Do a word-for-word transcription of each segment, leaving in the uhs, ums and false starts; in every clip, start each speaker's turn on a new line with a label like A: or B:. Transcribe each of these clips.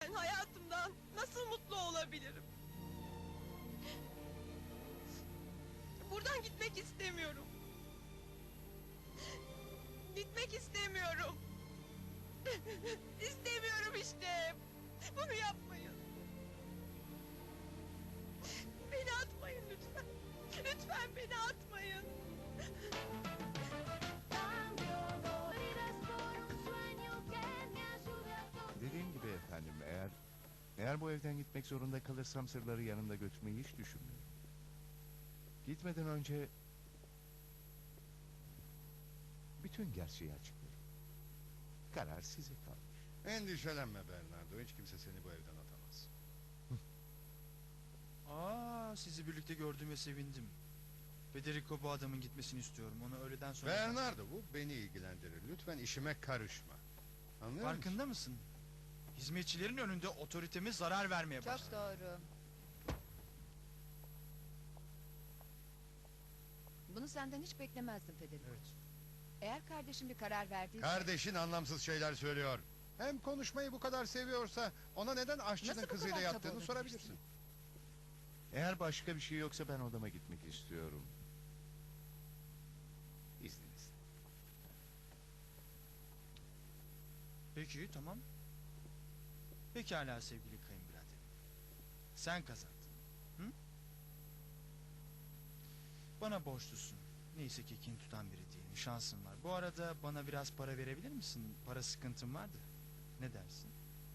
A: Ben hayatımdan nasıl mutlu olabilirim? Buradan gitmek istemiyorum. Gitmek istemiyorum. İstemiyorum işte. Bunu yapmayın. Beni atmayın lütfen. Lütfen beni atmayın.
B: Dediğim gibi efendim, eğer eğer bu evden gitmek zorunda kalırsam sırları yanımda götürmeyi hiç düşünmüyorum. Gitmeden önce bütün gerçeği açıklarım. Karar size kalmış.
C: Endişelenme Bernardo, hiç kimse seni bu evden atamaz.
D: Aa, sizi birlikte gördüğüme sevindim. Federico bu adamın gitmesini istiyorum. Onu öğleden sonra...
C: Bernardo, bu beni ilgilendirir. Lütfen işime karışma. Anlıyor musun?
D: Farkında mısın? Hizmetçilerin önünde otoriteme zarar vermeye
E: Çok
D: başladı.
E: doğru. Bunu senden hiç beklemezdim Federico.
D: Evet.
E: Eğer kardeşim bir karar verdiyse...
C: Kardeşin anlamsız şeyler söylüyor. Hem konuşmayı bu kadar seviyorsa ona neden aşçının
E: Nasıl bu
C: kızıyla
E: kadar kaba
C: yattığını
E: olabilirsin?
C: sorabilirsin.
B: Eğer başka bir şey yoksa ben odama gitmek istiyorum. İzninizle.
D: Peki, tamam. Pekala sevgili kayınbiraderim. Sen kazandın. Hı? Bana borçlusun. Neyse ki kin tutan biri değilim. Şansın var. Bu arada bana biraz para verebilir misin? Para sıkıntım vardı. Ne dersin?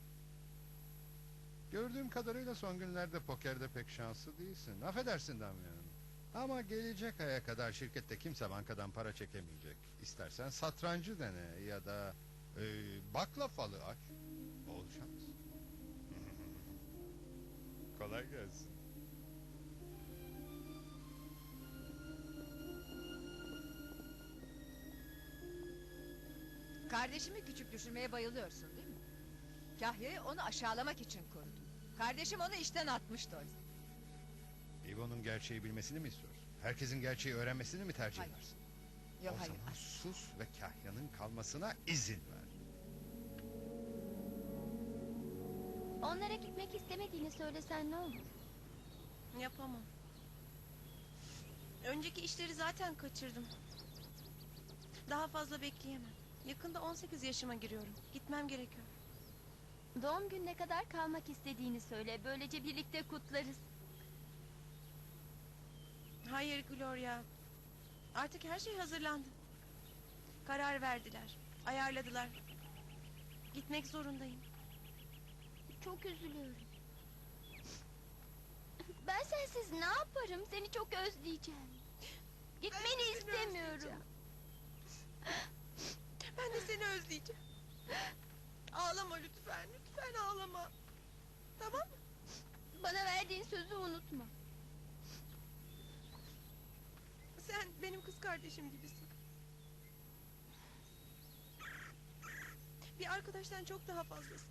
C: Gördüğüm kadarıyla son günlerde pokerde pek şanslı değilsin. Affedersin Damian. Ama gelecek aya kadar şirkette kimse bankadan para çekemeyecek. İstersen satrancı dene ya da e, bakla falı aç. Bol şans. Kolay gelsin.
E: Kardeşimi küçük düşürmeye bayılıyorsun değil mi? Kahya'yı onu aşağılamak için kurdun. Kardeşim onu işten atmıştı oysa.
C: İvo'nun gerçeği bilmesini mi istiyorsun? Herkesin gerçeği öğrenmesini mi tercih
E: Hayır.
C: edersin?
E: Yok
C: o
E: hayır.
C: zaman sus ve Kahya'nın kalmasına izin ver.
F: Onlara gitmek istemediğini söylesen ne olur?
A: Yapamam. Önceki işleri zaten kaçırdım. Daha fazla bekleyemem. Yakında on sekiz yaşıma giriyorum. Gitmem gerekiyor.
F: Doğum gününe kadar kalmak istediğini söyle. Böylece birlikte kutlarız.
A: Hayır Gloria. Artık her şey hazırlandı. Karar verdiler. Ayarladılar. Gitmek zorundayım.
F: Çok üzülüyorum. Ben sensiz ne yaparım? Seni çok özleyeceğim. Gitmeni
A: Ben de seni
F: istemiyorum.
A: özleyeceğim. Ben de seni özleyeceğim. Ağlama lütfen. Lütfen ağlama. Tamam mı?
F: Bana verdiğin sözü unutma.
A: Sen benim kız kardeşim gibisin. Bir arkadaştan çok daha fazlasın.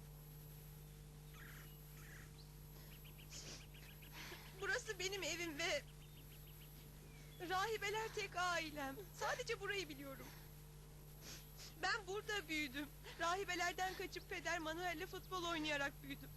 A: Burası benim evim ve... rahibeler tek ailem. Sadece burayı biliyorum. Ben burada büyüdüm. Rahibelerden kaçıp Peder Manuel'le futbol oynayarak büyüdüm.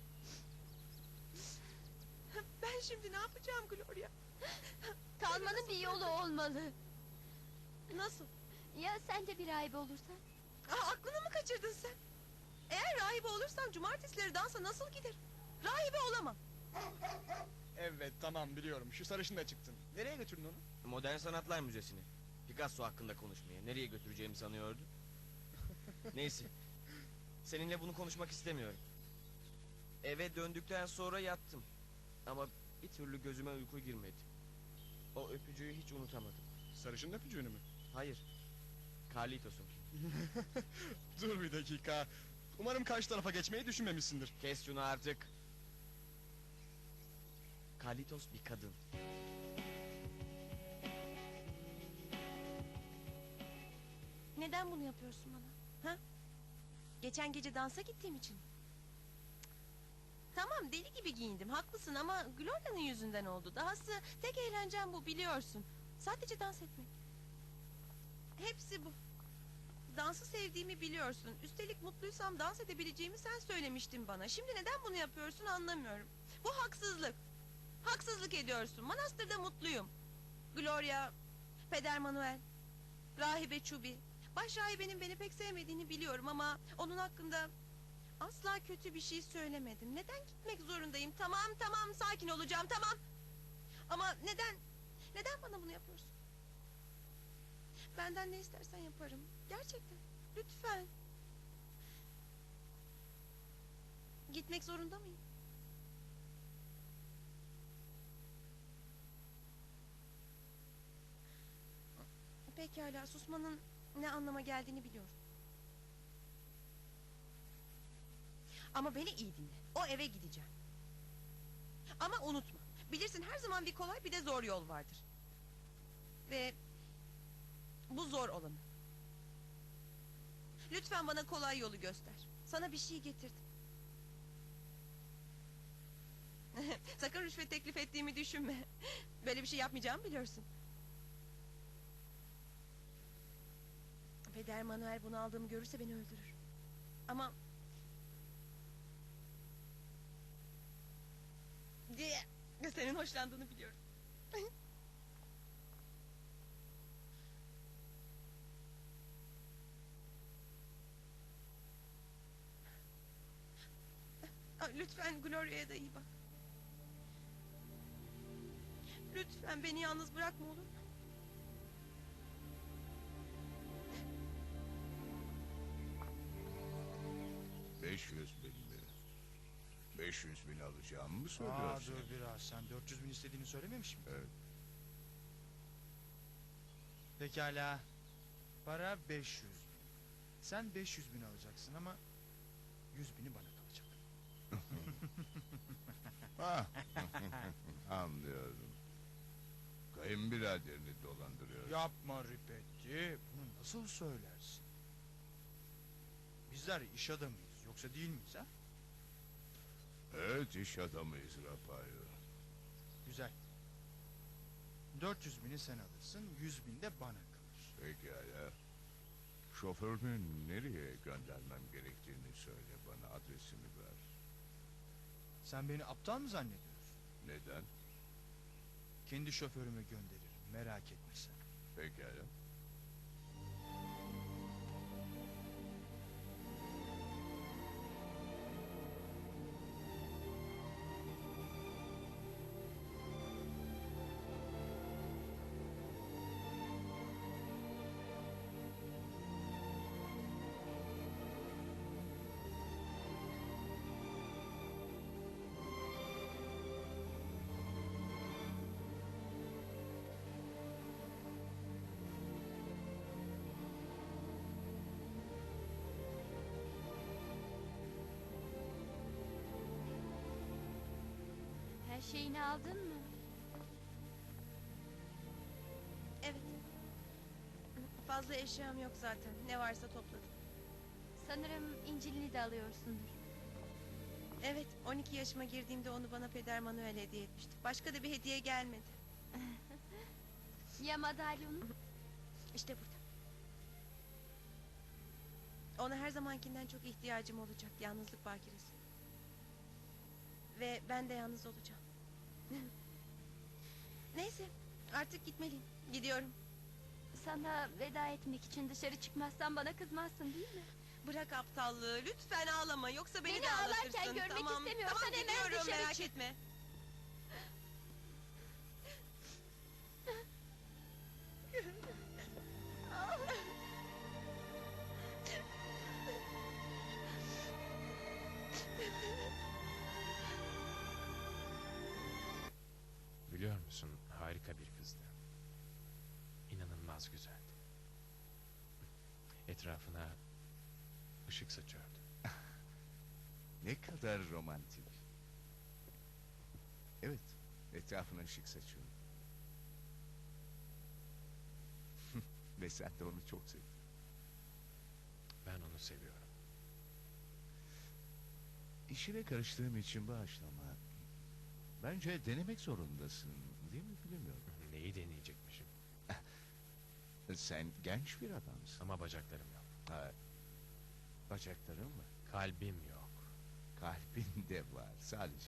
A: Ben şimdi ne yapacağım Gloria?
F: Kalmanın bir yolu olmalı.
A: Nasıl?
F: Ya sen de bir rahibe olursan?
A: Aa, aklını mı kaçırdın sen? Eğer rahibe olursam cumartesileri dansa nasıl gider? Rahibe olamam.
G: Evet, tamam, biliyorum. Şu sarışın da çıktın. Nereye götürdün onu?
H: Modern Sanatlar Müzesi'ne. Picasso hakkında konuşmaya. Nereye götüreceğimi sanıyordu? Neyse. Seninle bunu konuşmak istemiyorum. Eve döndükten sonra yattım. Ama bir türlü gözüme uyku girmedi. O öpücüğü hiç unutamadım.
G: Sarışın öpücüğünü mü?
H: Hayır. Carlitos'un.
G: Dur bir dakika. Umarım karşı tarafa geçmeyi düşünmemişsindir.
H: Kes şunu artık. Carlitos bir kadın.
A: Neden bunu yapıyorsun bana? Ha? Geçen gece dansa gittiğim için mi? Cık. Tamam, deli gibi giyindim, haklısın ama Gloria'nın yüzünden oldu. Dahası tek eğlencem bu, biliyorsun. Sadece dans etmek. Hepsi bu. Dans dansı sevdiğimi biliyorsun. Üstelik mutluysam dans edebileceğimi sen söylemiştin bana. Şimdi neden bunu yapıyorsun anlamıyorum. Bu haksızlık. Haksızlık ediyorsun. Manastırda mutluyum. Gloria, Peder Manuel, Rahibe Çubi. Baş rahibenin beni pek sevmediğini biliyorum ama onun hakkında asla kötü bir şey söylemedim. Neden gitmek zorundayım? Tamam tamam sakin olacağım tamam. Ama neden? Neden bana bunu yapıyorsun? Benden ne istersen yaparım. Gerçekten. Lütfen. Gitmek zorunda mıyım? Pekala, susmanın ne anlama geldiğini biliyorum. Ama beni iyi dinle. O eve gideceğim. Ama unutma. Bilirsin her zaman bir kolay bir de zor yol vardır. Ve bu zor olanı. Lütfen bana kolay yolu göster. Sana bir şey getirdim. Sakın rüşvet teklif ettiğimi düşünme. Böyle bir şey yapmayacağımı biliyorsun. Peder Manuel bunu aldığımı görürse beni öldürür. Ama... diye senin hoşlandığını biliyorum. Lütfen Gloria'ya da iyi bak. Lütfen beni yalnız bırakma olur mu?
B: Beş yüz bin mi? Beş yüz bin alacağımı mı
D: Aa,
B: söylüyorsun?
D: dur biraz. Sen dört yüz bin istediğini söylememiş miydin?
B: Evet.
D: Pekala. Para beş yüz bin. Sen beş yüz bin alacaksın ama yüz bini bana kalacak.
B: Ah, anlıyorum. Kayınbiraderini dolandırıyorsun.
D: Yapma Ripetti. Bunu nasıl söylersin? Bizler iş adamıyız. Yoksa değil miyiz ha?
B: Evet, iş adamıyız Rafayo.
D: Güzel. dört yüz bini sen alırsın. yüz bin de bana kalır.
B: Pekala. Şoförünü nereye göndermem gerektiğini söyle bana, adresini ver.
D: Sen beni aptal mı zannediyorsun?
B: Neden?
D: Kendi şoförümü gönderirim. Merak etme sen.
B: Pekala.
F: Her şeyini aldın mı?
A: Evet. Fazla eşyam yok zaten. Ne varsa topladım.
F: Sanırım İncil'ini de alıyorsundur.
A: Evet, on iki yaşıma girdiğimde onu bana Peder Manuel hediye etmişti. Başka da bir hediye gelmedi.
F: Ya madalyonun?
A: İşte burada. Ona her zamankinden çok ihtiyacım olacak. Yalnızlık bakiresi. Ve ben de yalnız olacağım. Neyse, artık gitmeliyim. Gidiyorum.
F: Sana veda etmek için dışarı çıkmazsan bana kızmazsın değil mi?
A: Bırak aptallığı. Lütfen ağlama. Yoksa beni,
F: Beni
A: de
F: ağlarken
A: ağlatırsın.
F: görmek
A: tamam,
F: istemiyorsan
A: tamam,
F: hemen
A: gidiyorum,
F: dışarı
A: merak
F: çık.
A: etme.
I: Biliyor musun, harika bir kızdı. İnanılmaz güzeldi. Etrafına ışık saçıyordu.
B: Ne kadar romantik. Evet, etrafına ışık saçıyor. Ve sen de onu çok sevdin.
I: Ben onu seviyorum.
B: İşine karıştığım için bağışlama. Bence denemek zorundasın, değil mi bilmiyorum.
I: Neyi deneyecekmişim?
B: Sen genç bir adamsın.
I: Ama bacaklarım yok.
B: Ha, Bacakların var.
I: Kalbim yok.
B: Kalbin de var. Sadece